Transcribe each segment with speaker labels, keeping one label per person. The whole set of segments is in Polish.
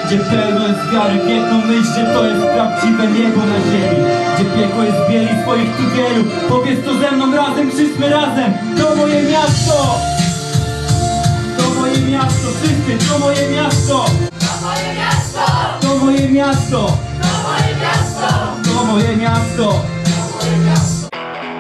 Speaker 1: Gdzie pełno jest wiary w jedną myśl, że to jest prawdziwe niebo na ziemi. Gdzie piekło jest bieli swoich tu wielu. Powiedz to ze mną razem, krzyczmy razem. To moje miasto! To moje miasto, wszyscy, to moje miasto!
Speaker 2: To moje miasto!
Speaker 1: To moje miasto!
Speaker 2: To moje miasto!
Speaker 1: To moje miasto!
Speaker 2: To moje miasto!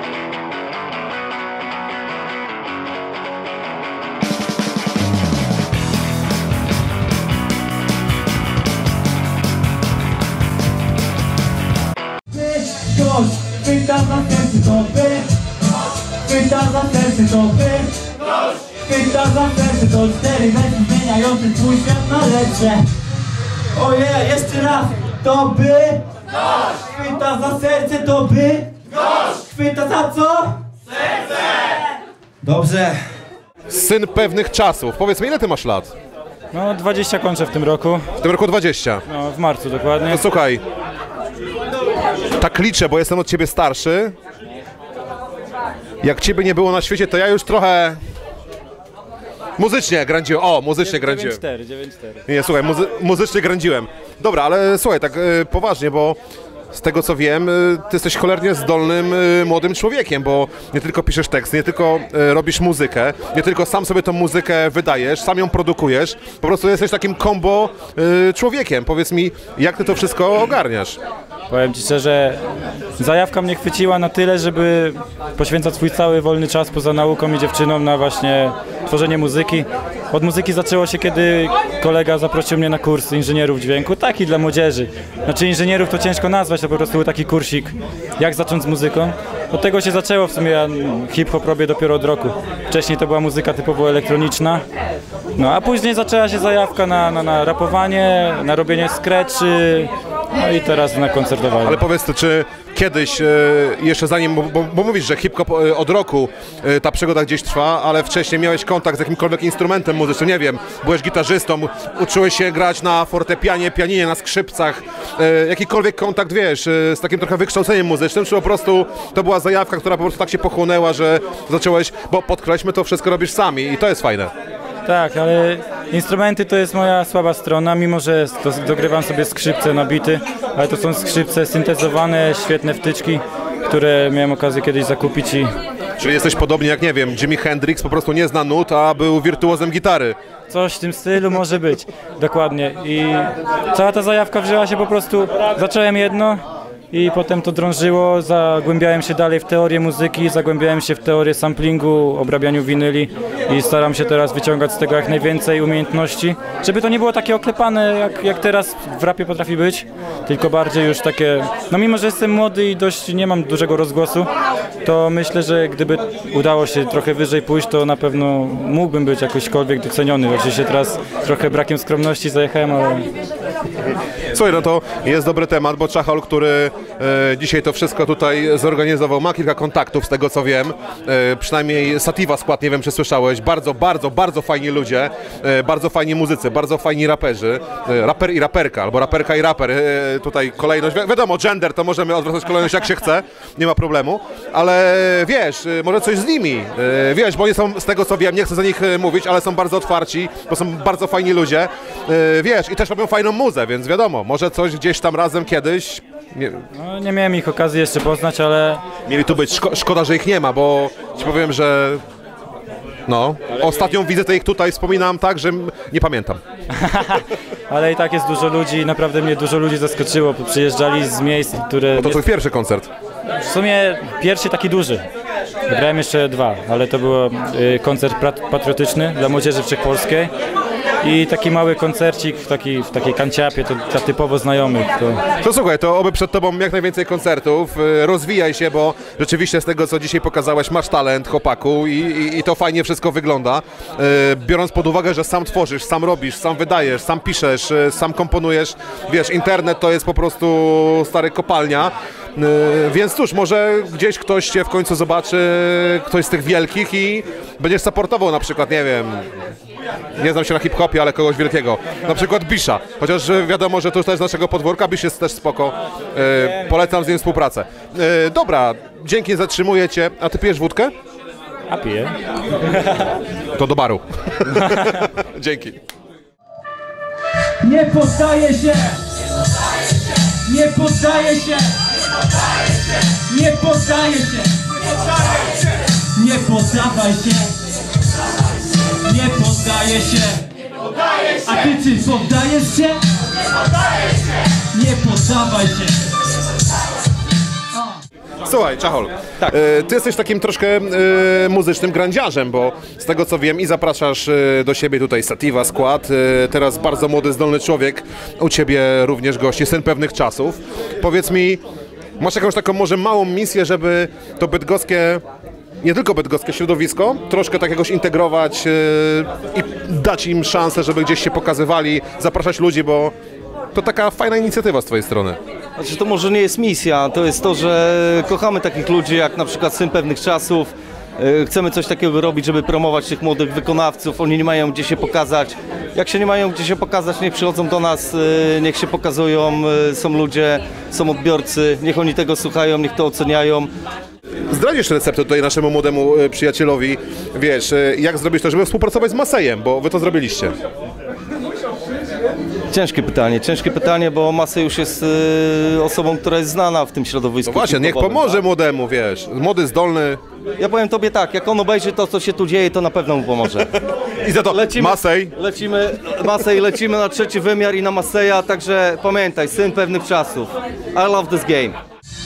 Speaker 1: Ktoś pyta za serce to wy. Pyta za serce to wy. Pyta za serce to 4 wersy zmieniające twój świat na lepsze. Ojej, jeszcze raz. To by. Pyta za serce to by. Pyta za co? Serce. Dobrze.
Speaker 3: Syn pewnych czasów. Powiedz mi, ile ty masz lat?
Speaker 4: No 20 kończę w tym roku.
Speaker 3: W tym roku 20.
Speaker 4: No w marcu dokładnie.
Speaker 3: No słuchaj, tak liczę, bo jestem od ciebie starszy. Jak ciebie nie było na świecie, to ja już trochę muzycznie grędziłem. O, muzycznie grędziłem.
Speaker 4: 9-4.
Speaker 3: Nie, słuchaj, muzycznie grędziłem. Dobra, ale słuchaj, tak poważnie, bo z tego co wiem, ty jesteś cholernie zdolnym młodym człowiekiem, bo nie tylko piszesz teksty, nie tylko robisz muzykę, nie tylko sam sobie tą muzykę wydajesz, sam ją produkujesz, po prostu jesteś takim combo człowiekiem. Powiedz mi, jak ty to wszystko ogarniasz?
Speaker 4: Powiem ci szczerze, zajawka mnie chwyciła na tyle, żeby poświęcać swój cały wolny czas poza nauką i dziewczyną na właśnie tworzenie muzyki. Od muzyki zaczęło się, kiedy kolega zaprosił mnie na kurs inżynierów dźwięku, taki dla młodzieży. Znaczy inżynierów to ciężko nazwać, to po prostu był taki kursik, jak zacząć z muzyką. Od tego się zaczęło, w sumie ja hip-hop robię dopiero od roku. Wcześniej to była muzyka typowo elektroniczna. No a później zaczęła się zajawka na rapowanie, na robienie sketchy, no i teraz na koncertowanie.
Speaker 3: Ale powiedz, czy kiedyś, jeszcze zanim, bo mówisz, że hip-hop od roku ta przygoda gdzieś trwa, ale wcześniej miałeś kontakt z jakimkolwiek instrumentem muzycznym, nie wiem, byłeś gitarzystą, uczyłeś się grać na fortepianie, pianinie, na skrzypcach, jakikolwiek kontakt, wiesz, z takim trochę wykształceniem muzycznym, czy po prostu to była zajawka, która po prostu tak się pochłonęła, że zacząłeś, bo podkreślmy, to wszystko robisz sami i to jest fajne.
Speaker 4: Tak, ale instrumenty to jest moja słaba strona, mimo że dogrywam sobie skrzypce na bity, ale to są skrzypce syntezowane, świetne wtyczki, które miałem okazję kiedyś zakupić i...
Speaker 3: Czyli jesteś podobnie jak, nie wiem, Jimi Hendrix, po prostu nie zna nut, a był wirtuozem gitary.
Speaker 4: Coś w tym stylu może być, dokładnie. I cała ta zajawka wzięła się po prostu, zacząłem jedno i potem to drążyło, zagłębiałem się dalej w teorię muzyki, zagłębiałem się w teorię samplingu, obrabianiu winyli i staram się teraz wyciągać z tego jak najwięcej umiejętności, żeby to nie było takie oklepane, jak teraz w rapie potrafi być, tylko bardziej już takie, no mimo że jestem młody i dość nie mam dużego rozgłosu, to myślę, że gdyby udało się trochę wyżej pójść, to na pewno mógłbym być jakośkolwiek doceniony. Oczywiście teraz trochę brakiem skromności zajechałem, ale...
Speaker 3: Słuchaj, no to jest dobry temat, bo Czachol, który dzisiaj to wszystko tutaj zorganizował, ma kilka kontaktów z tego co wiem, przynajmniej Sativa Skład, nie wiem czy słyszałeś, bardzo fajni ludzie, bardzo fajni muzycy, bardzo fajni raperzy, raper i raperka, albo raperka i raper, tutaj kolejność, wiadomo, gender, to możemy odwracać kolejność jak się chce, nie ma problemu, ale wiesz, może coś z nimi, wiesz, bo oni są, z tego co wiem, nie chcę za nich mówić, ale są bardzo otwarci, bo są bardzo fajni ludzie, wiesz, i też robią fajną muzę, więc wiadomo, może coś gdzieś tam razem kiedyś.
Speaker 4: No, nie miałem ich okazji jeszcze poznać, ale...
Speaker 3: Mieli tu być, szkoda, że ich nie ma, bo ci powiem, że no, ostatnią wizytę ich tutaj wspominam tak, że nie pamiętam.
Speaker 4: Ale i tak jest dużo ludzi, naprawdę mnie dużo ludzi zaskoczyło, przyjeżdżali z miejsc, które...
Speaker 3: Bo to twój pierwszy koncert.
Speaker 4: W sumie pierwszy taki duży. Grałem jeszcze 2, ale to był koncert patriotyczny dla młodzieży wszechpolskiej. I taki mały koncercik w takiej kanciapie, to typowo znajomych.
Speaker 3: To słuchaj, to oby przed tobą jak najwięcej koncertów, rozwijaj się, bo rzeczywiście z tego co dzisiaj pokazałeś masz talent, chłopaku i to fajnie wszystko wygląda. Biorąc pod uwagę, że sam tworzysz, sam robisz, sam wydajesz, sam piszesz, sam komponujesz, wiesz, internet to jest po prostu stary kopalnia. Więc cóż, może gdzieś ktoś cię w końcu zobaczy, ktoś z tych wielkich i będziesz supportował na przykład, nie wiem, nie znam się na hip-hopie, ale kogoś wielkiego, na przykład Bisha, chociaż wiadomo, że to już też z naszego podwórka, Bish jest też spoko, polecam z nim współpracę. Dobra, dzięki, zatrzymuję cię, a ty pijesz wódkę?
Speaker 4: A piję.
Speaker 3: To do baru. Dzięki.
Speaker 1: Nie poddaję się! Nie poddaję się! Nie poddaję się! Nie poddawaj się! Nie poddaję się! A ty czy poddajesz się? Nie poddawaj się!
Speaker 3: Słuchaj, Czachol, tak. Ty jesteś takim troszkę muzycznym grandziarzem, bo z tego co wiem i zapraszasz do siebie tutaj Sativa skład, teraz bardzo młody, zdolny człowiek, u ciebie również gości, syn pewnych czasów. Powiedz mi, masz jakąś taką może małą misję, żeby to bydgoskie, nie tylko bydgoskie środowisko, troszkę tak jakoś integrować i dać im szansę, żeby gdzieś się pokazywali, zapraszać ludzi, bo to taka fajna inicjatywa z twojej strony.
Speaker 5: Znaczy, to może nie jest misja, to jest to, że kochamy takich ludzi jak na przykład Syn Pewnych Czasów. Chcemy coś takiego robić, żeby promować tych młodych wykonawców. Oni nie mają gdzie się pokazać. Jak się nie mają gdzie się pokazać, niech przychodzą do nas, niech się pokazują. Są ludzie, są odbiorcy, niech oni tego słuchają, niech to oceniają.
Speaker 3: Zdradzisz receptę tutaj naszemu młodemu przyjacielowi, wiesz, jak zrobić to, żeby współpracować z Masejem, bo wy to zrobiliście.
Speaker 5: Ciężkie pytanie, bo Masej już jest osobą, która jest znana w tym środowisku.
Speaker 3: No właśnie, niech pomoże młodemu, wiesz, młody, zdolny.
Speaker 5: Ja powiem tobie tak, jak on obejrzy to, co się tu dzieje, to na pewno mu pomoże.
Speaker 3: I za to Masej.
Speaker 5: Lecimy na trzeci wymiar i na Maseja, także pamiętaj, Syn Pewnych Czasów. I love this game.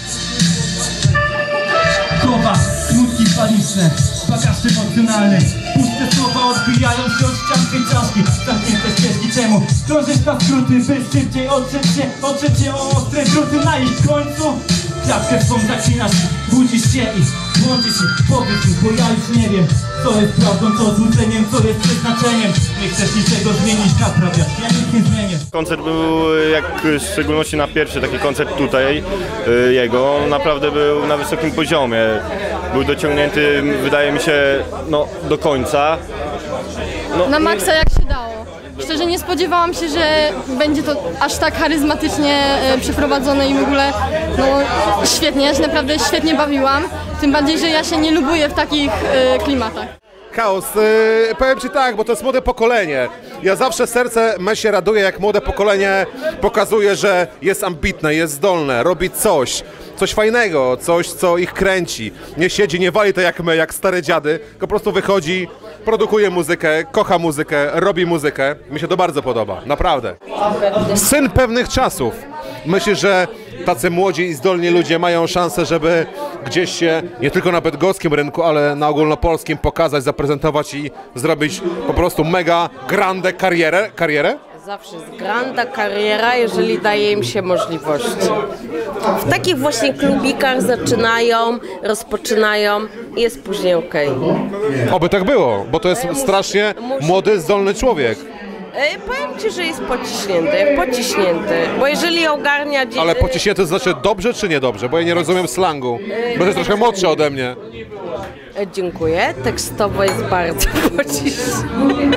Speaker 1: Słowa, smutki paniczne, bagaż emocjonalny. Puste słowa odbijają się od ścian tej czaszki. Zamknięte ścieżki, czemu krążysz na skróty, by szybciej otrzeć się o ostre druty na ich końcu. Klatkę swą zaklinasz, budzisz się i łączysz się. Powiedz mi, bo ja już nie wiem, co jest prawdą, co złudzeniem, co jest przeznaczeniem. Nie chcesz niczego zmienić, naprawiać, ja nic nie zmienię.
Speaker 6: Koncert był, jak w szczególności na pierwszy taki koncert tutaj jego, naprawdę był na wysokim poziomie. Był dociągnięty, wydaje mi się, no, do końca. No,
Speaker 7: na maksa jak się dało. Szczerze nie spodziewałam się, że będzie to aż tak charyzmatycznie przeprowadzone i w ogóle no świetnie, ja się naprawdę świetnie bawiłam. Tym bardziej, że ja się nie lubuję w takich klimatach.
Speaker 3: Chaos, powiem ci tak, bo to jest młode pokolenie. Ja zawsze serce me się raduje, jak młode pokolenie pokazuje, że jest ambitne, jest zdolne, robi coś fajnego, coś, co ich kręci. Nie siedzi, nie wali to jak my, jak stare dziady, tylko po prostu wychodzi, produkuje muzykę, kocha muzykę, robi muzykę. Mi się to bardzo podoba, naprawdę. Syn Pewnych Czasów. Myślę, że tacy młodzi i zdolni ludzie mają szansę, żeby gdzieś się nie tylko na bydgoskim rynku, ale na ogólnopolskim pokazać, zaprezentować i zrobić po prostu mega grande karierę?
Speaker 8: Zawsze jest granda kariera, jeżeli daje im się możliwości. W takich właśnie klubikach zaczynają, rozpoczynają i jest później okej.
Speaker 3: Oby tak było, bo to jest strasznie młody, zdolny człowiek.
Speaker 8: Powiem ci, że jest pociśnięty, bo jeżeli ogarnia...
Speaker 3: Ale pociśnięty to znaczy dobrze czy niedobrze? Bo ja nie rozumiem slangu, bo jest troszkę młodszy ode mnie.
Speaker 8: Dziękuję, tekstowo jest bardzo pociśnięty.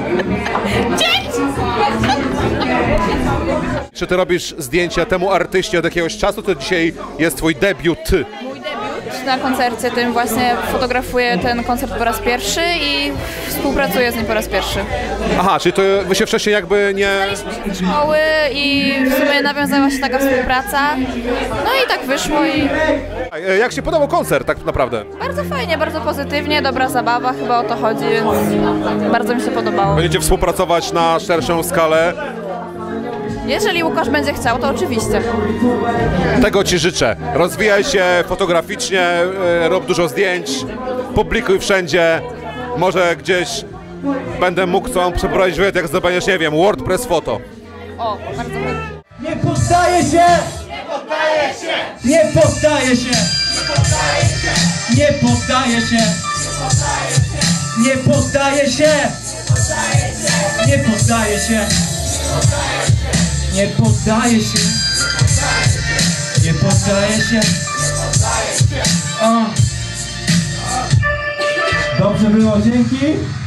Speaker 3: Czy ty robisz zdjęcia temu artyście od jakiegoś czasu, to dzisiaj jest twój debiut?
Speaker 9: Mój debiut na koncercie tym właśnie fotografuję ten koncert po raz pierwszy i współpracuję z nim po raz pierwszy.
Speaker 3: Aha, czyli to wy się wcześniej jakby nie...
Speaker 9: Znaliśmy się ze szkoły i w sumie nawiązała się taka współpraca. No i tak wyszło i...
Speaker 3: Jak się podobał koncert tak naprawdę?
Speaker 9: Bardzo fajnie, bardzo pozytywnie, dobra zabawa, chyba o to chodzi, więc bardzo mi się podobało.
Speaker 3: Będziecie współpracować na szerszą skalę?
Speaker 9: Jeżeli Łukasz będzie chciał, to oczywiście.
Speaker 3: Tego ci życzę. Rozwijaj się fotograficznie, rób dużo zdjęć, publikuj wszędzie. Może gdzieś będę mógł co przeprowadzić wywiad, jak zdobędziesz, nie wiem, WordPress foto.
Speaker 9: O, bardzo fajnie.
Speaker 1: Nie poddaję się! Nie poddaję się! Nie poddaję się! Nie poddaję się! Nie poddaję się! Nie poddaję się! Nie poddaję się! O. Dobrze było, dzięki!